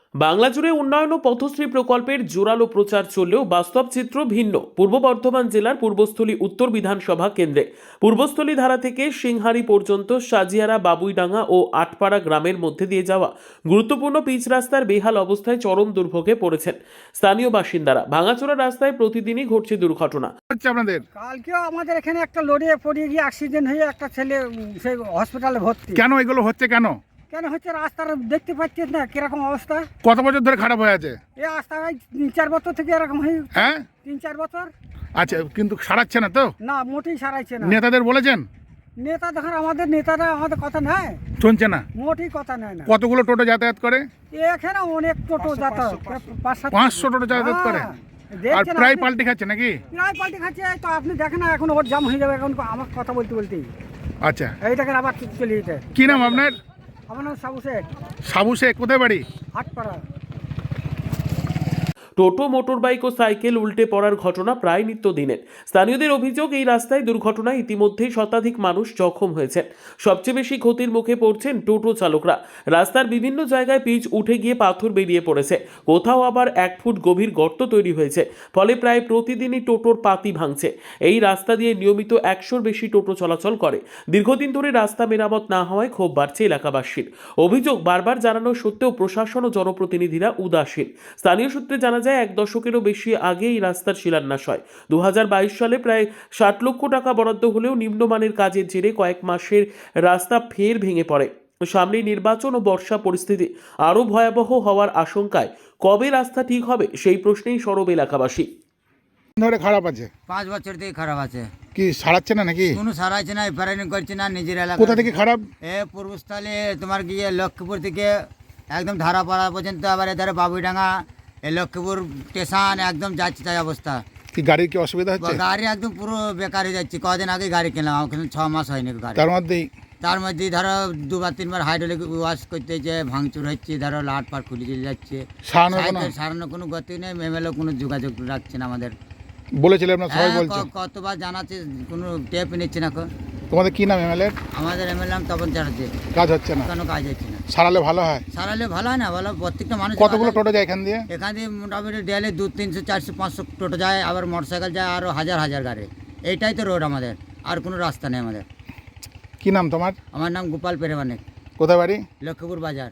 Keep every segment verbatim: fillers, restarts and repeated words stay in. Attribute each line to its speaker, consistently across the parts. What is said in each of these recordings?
Speaker 1: বাংলা জুড়ে উন্নয়ন ও পথশ্রী প্রকল্পের জোরালো প্রচার চললেও বাস্তব চিত্র ভিন্ন। পূর্ব বর্ধমান জেলার পূর্বস্থলী উত্তর বিধানসভা কেন্দ্রে পূর্বস্থলী ধারা থেকে সিংহারি পর্যন্ত সাজিয়ারা, বাবুইডাঙ্গা ও আটপাড়া গ্রামের মধ্যে দিয়ে যাওয়া গুরুত্বপূর্ণ পিচ রাস্তার বেহাল অবস্থায় চরম দুর্ভোগে পড়েছেন স্থানীয় বাসিন্দারা। ভাঙাচোরা রাস্তায় প্রতিদিনই ঘটছে দুর্ঘটনা।
Speaker 2: হচ্ছে আপনাদের
Speaker 3: কালকেও আমাদের এখানে একটা লরিয়ে পড়ে গিয়ে অ্যাক্সিডেন্ট হয়ে একটা ছেলে উম, সেই হসপিটালে ভর্তি।
Speaker 2: কেন এগুলো হচ্ছে কেন?
Speaker 3: কেন হচ্ছে রাস্তার দেখতে পাচ্ছিস না কিরকম অবস্থা?
Speaker 2: কত বছর ধরে খারাপ হয়ে আছে?
Speaker 3: এই রাস্তা ভাই তিন চার বছর থেকে এরকম হয়ে
Speaker 2: হ্যাঁ,
Speaker 3: তিন চার বছর
Speaker 2: আচ্ছা, কিন্তু সারাচ্ছে না তো?
Speaker 3: না, মোটেই সারাইছে না।
Speaker 2: নেতাদের বলেছেন?
Speaker 3: নেতা দেখেন আমাদের নেতারা আমাদের কথা নেয়,
Speaker 2: শুনছে না?
Speaker 3: মোটেই কথা নেয় না।
Speaker 2: কতগুলো টোটো যাতায়াত করে?
Speaker 3: এখানে অনেক টোটো যাতায়াত, পাঁচ সাত
Speaker 2: পাঁচশো টোটো যাতায়াত করে।
Speaker 3: হ্যাঁ,
Speaker 2: আর
Speaker 3: দেখছেন
Speaker 2: প্রায়
Speaker 3: আপনি?
Speaker 2: পাল্টি খাচ্ছে নাকি?
Speaker 3: প্রায় পাল্টে খাচ্ছে। এই তো আপনি দেখেন না, এখন ওর জাম হয়ে যাবে এখন আমার কথা বলতে বলতেই।
Speaker 2: আচ্ছা,
Speaker 3: এইটাকে আবার চলে যেতে।
Speaker 2: কি নাম আপনার?
Speaker 3: আমার নাম সাবু শেখ,
Speaker 2: সাবু শেখ। কোথায় বাড়ি?
Speaker 3: হাটপাড়া।
Speaker 1: টোটো, মোটরবাইক ও সাইকেল উল্টে পড়ার ঘটনা প্রায় নিত্যদিনের। স্থানীয়দের অভিযোগ, এই রাস্তায় দুর্ঘটনায় ইতিমধ্যেই শতাধিক মানুষ জখম হয়েছেন। সবচেয়ে বেশি ক্ষতির মুখে পড়ছেন টোটো চালকরা। রাস্তার বিভিন্ন জায়গায় পিচ উঠে গিয়ে পাথর বেরিয়ে পড়েছে, কোথাও আবার এক ফুট গভীর গর্ত তৈরি হয়েছে, ফলে প্রায় প্রতিদিনই টোটোর পাতি ভাঙছে। এই রাস্তা দিয়ে নিয়মিত একশোর বেশি টোটো চলাচল করে। দীর্ঘদিন ধরে রাস্তা মেরামত না হওয়ায় ক্ষোভ বাড়ছে এলাকাবাসীর। অভিযোগ, বারবার জানানো সত্ত্বেও প্রশাসন ও জনপ্রতিনিধিরা উদাসীন। স্থানীয় সূত্রে জানা যায়, এক দশকেরও বেশি আগে এই রাস্তার শিলান্যাস হয়। দু হাজার বাইশ সালে প্রায় ষাট লক্ষ টাকা বরাদ্দ হলেও নিম্নমানের কাজের জেরে কয়েক মাসের রাস্তা ফের ভেঙে পড়ে। সামনে নির্বাচন ও বর্ষা পরিস্থিতি আরও ভয়াবহ হওয়ার আশঙ্কায় কবে রাস্তা ঠিক হবে সেই প্রশ্নেই সরব এলাকাবাসী।
Speaker 2: ধরে খারাপ আছে?
Speaker 4: পাঁচ বছর থেকে খারাপ আছে,
Speaker 2: কি সারাচ্ছে না নাকি?
Speaker 4: কোনো সারাইছে না, রিপেয়ারিং করছে না নিজের এলাকা।
Speaker 2: কোথা থেকে খারাপ?
Speaker 4: এ পূর্বস্থলে তোমার গিয়ে লক্ষ্মীপুর থেকে একদম ধারাপাড়া পর্যন্ত, আবার এধারে বাবুইডাঙ্গা, এই লক্ষ্মীপুর স্টেশন একদম যাচ্ছে তাই অবস্থা।
Speaker 2: কি গাড়ির কি অসুবিধা হচ্ছে?
Speaker 4: গাড়ি একদম পুরো বেকার হয়ে যাচ্ছে। কদিন আগে গাড়ি কিনলাম, ওখানে ছ মাস হয়নি গাড়ি।
Speaker 2: তার মধ্যেই
Speaker 4: তার মধ্যে ধরো দুবার তিনবার হাইড্রোলিক ওয়াশ করতে হচ্ছে, ভাঙচুর হচ্ছে, ধরো লাট পাট খুলে চলে যাচ্ছে।
Speaker 2: সারানোর কোনো
Speaker 4: সাইকেল সারানোর কোনো গতি নেই, এমএলএ কোনো যোগাযোগ রাখছে না আমাদের।
Speaker 2: বলেছিলেন আপনার? সবাই
Speaker 4: হ্যাঁ,
Speaker 2: বলছে।
Speaker 4: ক- কতবার জানাচ্ছে, কোনো টেপ নিচ্ছে না। এখন
Speaker 2: তোমাদের কি নাম এমএলএ?
Speaker 4: আমাদের এমএলএ নাম তপন চ্যাটার্জি।
Speaker 2: কাজ হচ্ছে না?
Speaker 4: কোনো কাজ হচ্ছে না।
Speaker 2: সারালে ভালো হয়।
Speaker 4: সারালে ভালো হয় না, ভালো প্রত্যেকটা মানুষ।
Speaker 2: কতগুলো টোটো যায় এখান দিয়ে?
Speaker 4: এখান দিয়ে মোটামুটি ডেলে দু তিনশো চারশো পাঁচশো টোটো যায়, আবার মোটরসাইকেল যায় আরও হাজার হাজার গাড়ি। এইটাই তো রোড আমাদের, আর কোনো রাস্তা নেই আমাদের।
Speaker 2: কি নাম তোমার?
Speaker 4: আমার নাম গোপাল পেরেমানিক,
Speaker 2: কোথায় বাড়ি?
Speaker 4: লক্ষ্মীপুর বাজার।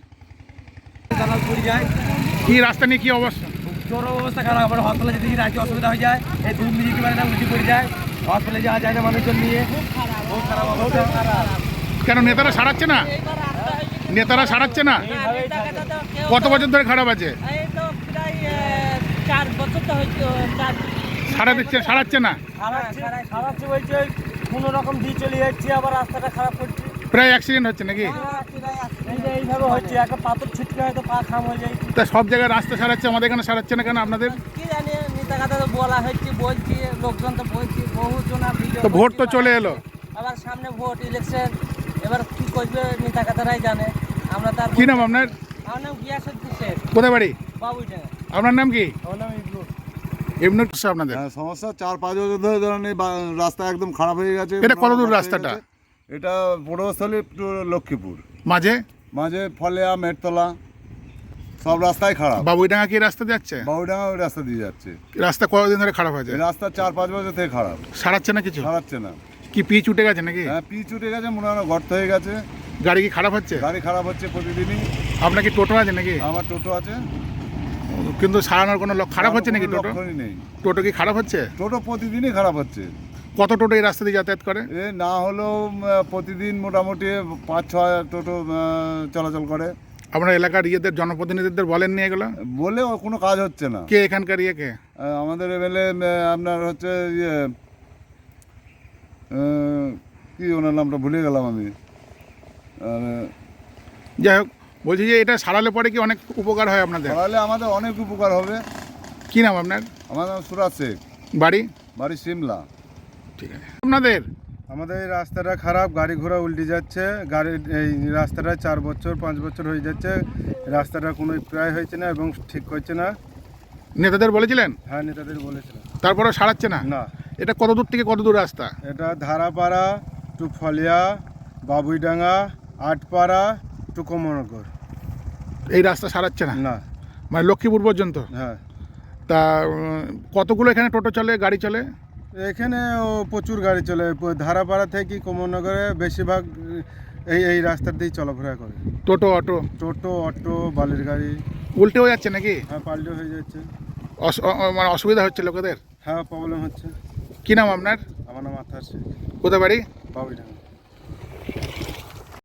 Speaker 2: কি রাস্তা নিয়ে কি অবস্থা?
Speaker 5: চরম অবস্থা খারাপ। আমার হসপিটালে যেতে গিয়ে রাতে অসুবিধা হয়ে যায়, এই দুধ মিলিয়ে পারে না, উল্টি পড়ে যায়, হসপিটালে যাওয়া যায় না মানুষজন নিয়ে। বহুত খারাপ অবস্থা।
Speaker 2: কেন নেতারা সারাচ্ছে না? নেতারা সারাচ্ছে না? কত বছর ধরে খারাপ আছে?
Speaker 6: এই তো প্রায় আহ, চার বছর তো হয়েছে। চার
Speaker 2: সারা দিচ্ছে, সারাচ্ছে না?
Speaker 5: সারাচ্ছি বলছে, কোনো রকম দিয়ে চলে যাচ্ছে, আবার রাস্তাটা খারাপ করছে।
Speaker 2: প্রায় অ্যাক্সিডেন্ট হচ্ছে নাকি?
Speaker 5: এই যে এইভাবে হচ্ছে, একটা পাথর ছিটকে হয়তো পা খাম হয়ে যায়।
Speaker 2: তা সব জায়গায় রাস্তা সারাচ্ছে, আমাদের এখানে সারাচ্ছে না কেন আপনাদের?
Speaker 6: কি জানি, নেতা কথা তো বলা হচ্ছে, বলছি, লোকজন তো বলছি, বহু জনা ভিডিও।
Speaker 2: তো ভোট তো চলে এলো।
Speaker 6: আবার সামনে ভোট ইলেকশন, এবার কি করবে নেতা কথারাই জানে। আমরা তার
Speaker 2: কি নাম আপনার?
Speaker 6: আমার নাম গিয়াসুদ্দিন শেখ,
Speaker 2: কোথায় বাড়ি?
Speaker 6: বাবুইডাঙ্গা।
Speaker 2: আপনার নাম কি?
Speaker 5: আমার নাম ইবলু।
Speaker 2: এমনি আপনাদের?
Speaker 7: হ্যাঁ, সমস্যা চার পাঁচ বছর ধরে ধরেন এই বা- রাস্তা একদম খারাপ হয়ে গেছে।
Speaker 2: এটা কত দূর
Speaker 7: হয়ে
Speaker 2: রাস্তাটা?
Speaker 7: গেছে। এটা পূর্বস্থলী টু লক্ষ্মীপুর,
Speaker 2: মাঝে
Speaker 7: মাঝে ফলেয়া, মেটতলা, সব রাস্তাই খারাপ।
Speaker 2: বাবুইডাঙ্গা কি রাস্তা যাচ্ছে?
Speaker 7: বাবুডাঙ্গা ওই রাস্তা দিয়ে যাচ্ছে।
Speaker 2: রাস্তা কতদিন ধরে খারাপ হয়েছে?
Speaker 7: এই রাস্তা চার পাঁচ বছর থেকে খারাপ,
Speaker 2: সারাচ্ছে না কিছু?
Speaker 7: সারাচ্ছে না।
Speaker 2: কি পিচ উঠে গেছে নাকি?
Speaker 7: হ্যাঁ, পিচ উঠে গেছে, মনে হয় না গর্ত হয়ে গেছে।
Speaker 2: গাড়ি কি খারাপ হচ্ছে?
Speaker 7: গাড়ি খারাপ হচ্ছে প্রতিদিনই।
Speaker 2: আপনার কি টোটো আছে নাকি?
Speaker 7: আমার টোটো আছে,
Speaker 2: কিন্তু সারানোর কোনো লক- খারাপ হচ্ছে নাকি
Speaker 7: কোনো
Speaker 2: টোটো?
Speaker 7: লক্ষণই নেই।
Speaker 2: টোটো কি খারাপ হচ্ছে?
Speaker 7: টোটো প্রতিদিনই খারাপ হচ্ছে।
Speaker 2: কত টোটো এই রাস্তা দিয়ে যাতায়াত করে?
Speaker 7: এ না হলেও উম, প্রতিদিন মোটামুটি পাঁচ ছয় টোটো আহ, চলাচল করে।
Speaker 2: আপনার এলাকার ইয়েদের জনপ্রতিনিধিদের বলেন নিয়ে গেল?
Speaker 7: বলেও কোনো কাজ হচ্ছে না।
Speaker 2: কে এখানকার ইয়ে কে?
Speaker 7: আহ, আমাদের এমএলএ আপনার হচ্ছে ইয়ে আহ, কি ওনার নামটা ভুলে গেলাম আমি। আর,
Speaker 2: যাই হোক, বলছি যে এটা সারালে পরে কি অনেক উপকার হয় আপনাদের?
Speaker 7: তাহলে আমাদের অনেক উপকার হবে।
Speaker 2: কি নাম আপনার?
Speaker 7: আমার নাম সুরাজ শেখ,
Speaker 2: বাড়ি?
Speaker 7: বাড়ি সিমলা।
Speaker 2: ঠিক আছে। আপনাদের
Speaker 8: আমাদের এই রাস্তাটা খারাপ, গাড়ি ঘোড়া উল্টে যাচ্ছে। গাড়ি এই রাস্তাটা চার বছর পাঁচ বছর হয়ে যাচ্ছে, রাস্তাটা কোনো প্রায় হয়েছে না এবং ঠিক করছে না।
Speaker 2: নেতাদের বলেছিলেন?
Speaker 8: হ্যাঁ, নেতাদের বলেছিলাম।
Speaker 2: তারপরেও সারাচ্ছে না?
Speaker 8: না,
Speaker 2: এটা কত দূর থেকে কত দূর রাস্তা?
Speaker 8: এটা ধারাপাড়া টু ফলিয়া, বাবুইডাঙ্গা, আটপাড়া টু কমনগর।
Speaker 2: এই রাস্তা সারাচ্ছে না?
Speaker 8: না,
Speaker 2: মানে লক্ষ্মীপুর পর্যন্ত?
Speaker 8: হ্যাঁ,
Speaker 2: তা উম, কতগুলো এখানে টোটো চলে, গাড়ি চলে?
Speaker 8: এখানে ও প্রচুর গাড়ি চলে। প- ধারাপাড়া থেকে কমলনগরে বেশিরভাগ এই এই রাস্তার দিয়েই চলাফেরা করে।
Speaker 2: টোটো, অটো
Speaker 8: টোটো, অটো, বালির গাড়ি,
Speaker 2: উল্টে হয়ে যাচ্ছে নাকি?
Speaker 8: হ্যাঁ পাল্টে হয়ে যাচ্ছে।
Speaker 2: অস- অ- অ- মানে অসুবিধা হচ্ছে লোকেদের?
Speaker 8: হ্যাঁ প্রবলেম হচ্ছে।
Speaker 2: কি নাম আপনার?
Speaker 8: আমার নাম আথার শেখ,
Speaker 2: কোথায় বাড়ি?
Speaker 8: বাবুইডাঙ্গা।